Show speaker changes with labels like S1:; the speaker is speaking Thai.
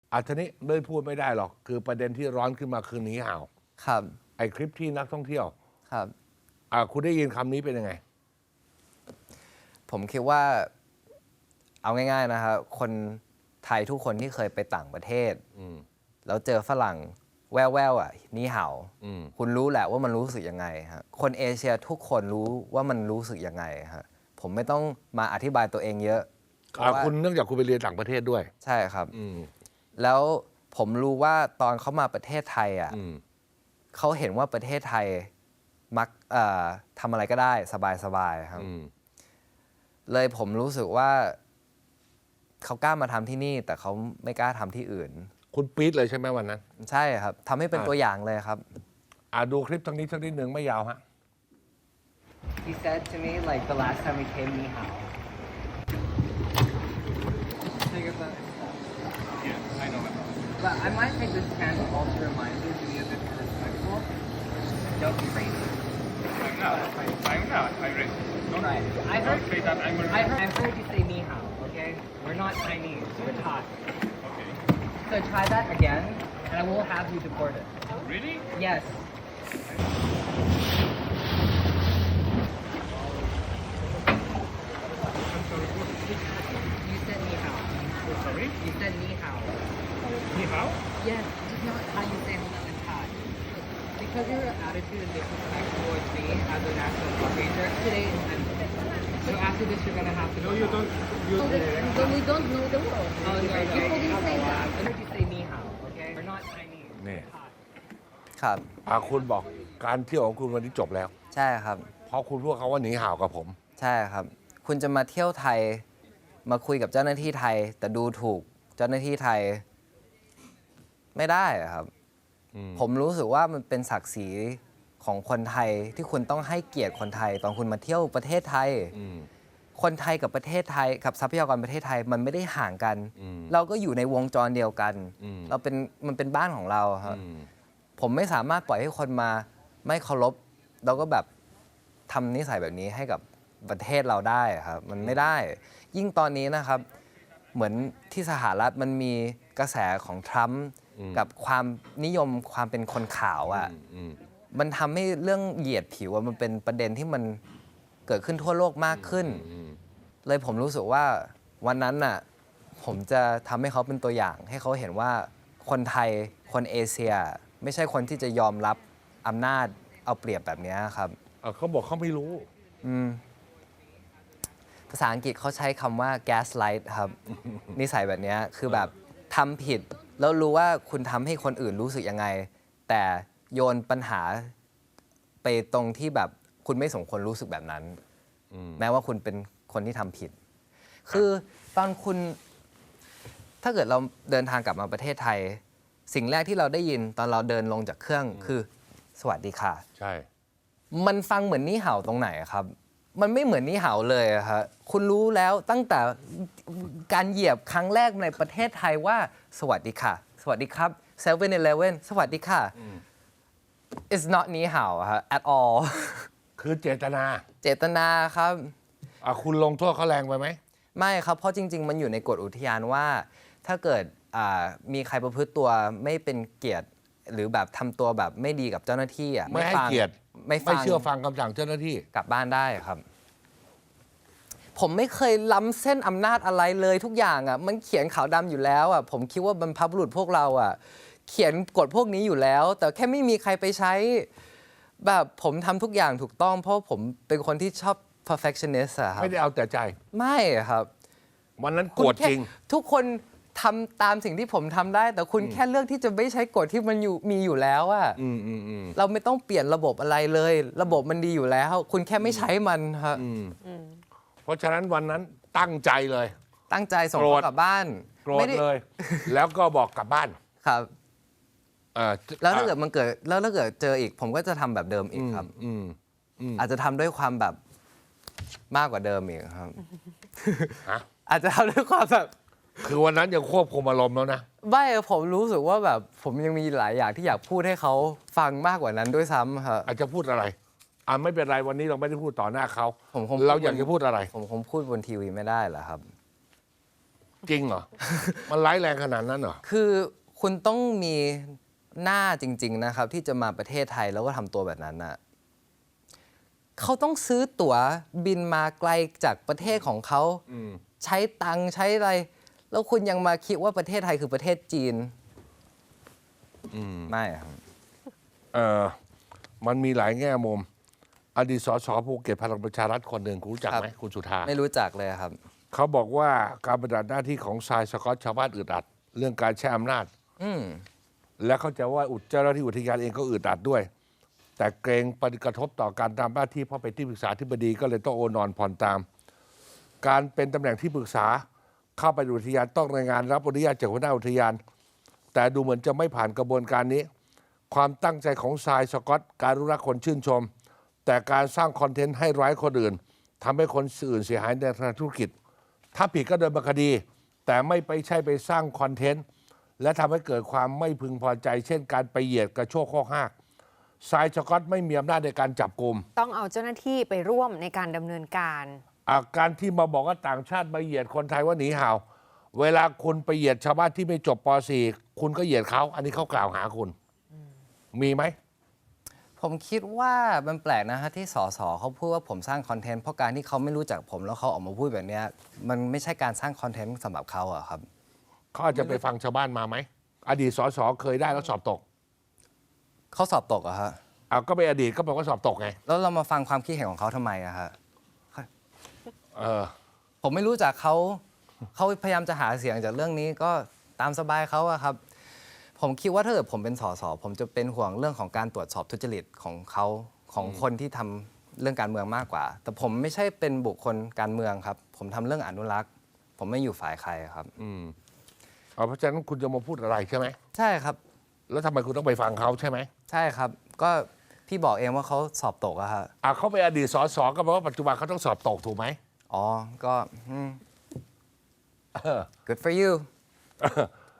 S1: ทีนี้ไม่พูดไม่ได้หรอกคือประเด็นที่ร้อนขึ้นมาคือหนีห่าว
S2: ครับ
S1: ไอ้คลิปที่นักท่องเที่ยว
S2: ครับ
S1: คุณได้ยินคำนี้เป็นยังไง
S2: ผมคิดว่าเอาง่ายๆนะครับคนไทยทุกคนที่เคยไปต่างประเทศแล้วเจอฝรั่งแว่วๆนี่เห่าคุณรู้แหละว่ามันรู้สึกยังไงฮะคนเอเชียทุกคนรู้ว่ามันรู้สึกยังไงฮะผมไม่ต้องมาอธิบายตัวเองเยอะ
S1: คุณเนื่องจากคุณไปเรียนต่างประเทศด้วย
S2: ใช่ครับแล้วผมรู้ว่าตอนเขามาประเทศไทยเขาเห็นว่าประเทศไทยมักทำอะไรก็ได้สบายๆครับเลยผมรู้สึกว่าเขากล้ามาทำที่นี่แต่เขาไม่กล้าทำที่อื่น
S1: คุณปี๊ดเลยใช่ไหมวันนั้น
S2: ใช่ครับทำให้เป็นตัวอย่างเลยครับ
S1: ดูคลิปทั้งนี้สักนิดหนึ่งไม่ยาวฮะ
S2: He said to me like the last time we came ni hao
S3: Yeah, I know it.
S2: But I might take this chance also to remind you to be a bit respectful. Don't be crazy.
S3: I'm not. I'm not. I read. Don't,
S2: Right.
S3: don't say that I'm a
S2: I heard you say ni hao, okay? We're not Chinese, we're Thai.
S3: Okay.
S2: So try that again, and I will have you deported.
S3: Really?
S2: Yes. You said ni hao.
S3: Sorry?
S2: You said ni hao.
S3: Ni hao?
S2: Yes, it's not how you say hello in Thai. Because your attitude and disrespect towards me as a national park ranger, today is end of it. So after this, you're gonna have to.
S3: No, you don't. You,
S4: Then we don't know the world.
S2: Oh, no, no.
S4: People didn't say that.
S2: I heard you say ni hao, okay? We're not Chinese.
S1: นี่
S2: ครับ
S1: คุณบอกการเที่ยวของคุณวันนี้จบแล้ว
S2: ใช่ครับ
S1: เพราะคุณพูดเขาว่าหนีห่าวกับผม
S2: ใช่ครับ คุณจะมาเที่ยวไทย มาคุยกับเจ้าหน้าที่ไทย แต่ดูถูกเจ้าหน้าที่ไทย ไม่ได้อะครับ ผมรู้สึกว่ามันเป็นศักดิ์ศรีของคนไทยที่คุณต้องให้เกียรติคนไทย ตอนคุณมาเที่ยวประเทศไทย คนไทยกับประเทศไทยกับทรัพยากรประเทศไทยมันไม่ได้ห่างกัน เราก็อยู่ในวงจรเดียวกันมันเป็นบ้านของเราครับผมไม่สามารถปล่อยให้คนมาไม่เคารพแล้วก็แบบทำนิสัยแบบนี้ให้กับประเทศเราได้ครับมันไม่ได้ ยิ่งตอนนี้นะครับ เหมือนที่สหรัฐมันมีกระแสของทรัมป์กับความนิยมความเป็นคนขาวมันทำให้เรื่องเหยียดผิวมันเป็นประเด็นที่มันเกิดขึ้นทั่วโลกมากขึ้นเลยผมรู้สึกว่าวันนั้นน่ะผมจะทำให้เขาเป็นตัวอย่างให้เขาเห็นว่าคนไทยคนเอเชียไม่ใช่คนที่จะยอมรับอำนาจเอาเปรียบแบบนี้ครับ
S1: เขาบอกเขาไม่รู้
S2: ภาษาอังกฤษเขาใช้คำว่า gaslight ครับ นิสัยแบบนี้คือแบบทำผิดแล้วรู้ว่าคุณทำให้คนอื่นรู้สึกยังไง แต่โยนปัญหาไปตรงที่แบบคุณไม่สมควรรู้สึกแบบนั้นแม้ว่าคุณเป็นคนที่ทำผิด คือตอนคุณถ้าเกิดเราเดินทางกลับมาประเทศไทย สิ่งแรกที่เราได้ยินตอนเราเดินลงจากเครื่องคือสวัสดีค่ะ
S1: ใช่
S2: มันฟังเหมือนนี่เห่าตรงไหนครับ มันไม่เหมือนนี่เห่าเลยครับคุณรู้แล้วตั้งแต่การเหยียบครั้งแรกในประเทศไทยว่าสวัสดีค่ะ สวัสดีครับ7-Eleven สวัสดีค่ะ it's not นี่เห่าครับ at all
S1: คือเจตนา
S2: เจตนาครับ
S1: คุณลงโทษเขาแรงไปไหม
S2: ไม่ครับ เพราะจริง ๆ มันอยู่ในกฎอุทยานว่า ถ้าเกิดมีใครประพฤติตัวไม่เป็นเกียรติ หรือแบบทำตัวแบบไม่ดีกับเจ้าหน้าที่
S1: ไม่ให้เกียรติ
S2: ไม่
S1: เชื่อฟังคำสั่งเจ้าหน้าที่
S2: กลับบ้านได้ครับ ผมไม่เคยล้ำเส้นอำนาจอะไรเลยทุกอย่างมันเขียนขาวดำอยู่แล้วผมคิดว่าบรรพบุรุษพวกเราเขียนกฎพวกนี้อยู่แล้ว แต่แค่ไม่มีใครไปใช้แบบผมทำทุกอย่างถูกต้อง เพราะผมเป็นคนที่ชอบ perfectionist ครับ
S1: ไม่ได้เอาแต่ใจ
S2: ไม่ครับ
S1: วันนั้นโกรธจริง
S2: ทุกคนทำตามสิ่งที่ผมทำได้ แต่คุณแค่เลือกที่จะไม่ใช้กฎที่มันมีอยู่แล้วเราไม่ต้องเปลี่ยนระบบอะไรเลย ระบบมันดีอยู่แล้ว คุณแค่ไม่ใช้มันครับ
S1: เพราะฉะนั้นวันนั้นตั้งใจเลย
S2: ตั้งใจส่งเขากลับบ้าน
S1: โกรธเลย แล้วก็บอกกลับบ้าน
S2: ครับแล้วถ้าเกิดมันเกิดแล้วถ้าเกิดเจออีก ผมก็จะทำแบบเดิมอีกครับอาจจะทำด้วยความแบบมากกว่าเดิมอีกครับอาจจะทำด้วยความแบบ
S1: คือวันนั้นยังควบคุมอารมณ์แล้วนะ
S2: ไม่ผมรู้สึกว่าแบบผมยังมีหลายอย่างที่อยากพูดให้เขาฟังมากกว่านั้นด้วยซ้ำครับ
S1: อาจจะพูดอะไรไม่เป็นไรวันนี้เราไม่ได้พูดต่อหน้าเขา
S2: เรา
S1: อยากจะพูดอะไร
S2: ผมคงพูดบนทีวีไม่ได้เหรอครับ
S1: จริงเหรอ มันร้ายแรงขนาดนั้นเหรอ
S2: คือคุณต้องมีหน้าจริง ๆ นะครับ ที่จะมาประเทศไทยแล้วก็ทำตัวแบบนั้นน่ะเขาต้องซื้อตั๋วบินมาไกลจากประเทศของเขาใช้ตังค์ใช้อะไร แล้วคุณยังมาคิดว่าประเทศไทยคือประเทศจีนไม่ครับ
S1: มันมีหลายแง่มุม อดีตสสภูเก็ตพลังประชารัฐคนหนึ่งคุณรู้จักไหมคุณสุธา
S2: ไม่รู้จักเลยครับ
S1: เขาบอกว่าการปฏิบัติหน้าที่ของทรายสกอตชาวบ้านอึดอัด เรื่องการใช้อำนาจ และเข้าใจว่าเจ้าหน้าที่อุทยานเองก็อึดอัดด้วย แต่เกรงปฏิกระทบต่อการทำหน้าที่เพราะเป็นที่ปรึกษาธิบดีก็เลยต้องโอนอนผ่อนตาม การเป็นตำแหน่งที่ปรึกษาเข้าไปอุทยานต้องรายงานรับอนุญาตจากหัวหน้าอุทยาน แต่ดูเหมือนจะไม่ผ่านกระบวนการนี้ ความตั้งใจของทรายสกอตการรู้รักคนชื่นชม แต่การสร้างคอนเทนต์ให้ร้ายคนอื่นทำให้คนอื่นเสียหายในทางธุรกิจ ถ้าผิดก็โดนบังคดี แต่ไม่ไปใช่ไปสร้างคอนเทนต์และทำให้เกิดความไม่พึงพอใจ เช่นการไปเหยียดกระโชกข้อหักทรายสกอตไม่มีอำนาจในการจับกลุ่ม
S5: ต้องเอาเจ้าหน้าที่ไปร่วมในการดำเนินการ
S1: การที่มาบอกว่าต่างชาติมาเหยียดคนไทยว่าหนีห่าว เวลาคุณไปเหยียดชาวบ้านที่ไม่จบป .4 คุณก็เหยียดเขา อันนี้เขากล่าวหาคุณ มีไหม
S2: ผมคิดว่ามันแปลกนะฮะที่สสเขาพูดว่าผมสร้างคอนเทนต์เพราะการที่เขาไม่รู้จักผมแล้วเขาออกมาพูดแบบเนี้ยมันไม่ใช่การสร้างคอนเทนต์สำหรับเขาอะครับ
S1: เขาอาจจะไปฟังชาวบ้านมาไหม อดีตสสเคยได้แล้วสอบตก
S2: เขาสอบตกอะฮะ
S1: ก็เป็นอดีตก็แปลว่าสอบตกไง
S2: แล้วเรามาฟังความคิดเห็นของเขาทำไมอะฮะ
S1: เออ
S2: ผมไม่รู้จักเขาพยายามจะหาเสียงจากเรื่องนี้ก็ตามสบายเขาอะครับ ผมคิดว่าถ้าเกิดผมเป็นสสผมจะเป็นห่วงเรื่องของการตรวจสอบทุจริตของเขาของคนที่ทำเรื่องการเมืองมากกว่า แต่ผมไม่ใช่เป็นบุคคลการเมืองครับ ผมทำเรื่องอนุรักษ์ ผมไม่อยู่ฝ่ายใครครับ
S1: เพราะฉะนั้นคุณจะมาพูดอะไรใช่ไหม
S2: ใช่ครับ
S1: แล้วทำไมคุณต้องไปฟังเขาใช่ไหม
S2: ใช่ครับ ก็พี่บอกเองว่าเขาสอบตกอะฮะ
S1: เขาเป็นอดีตสสก็แปลว่าปัจจุบันเขาต้องสอบตกถูกไหม
S2: อ๋อ ก็good for you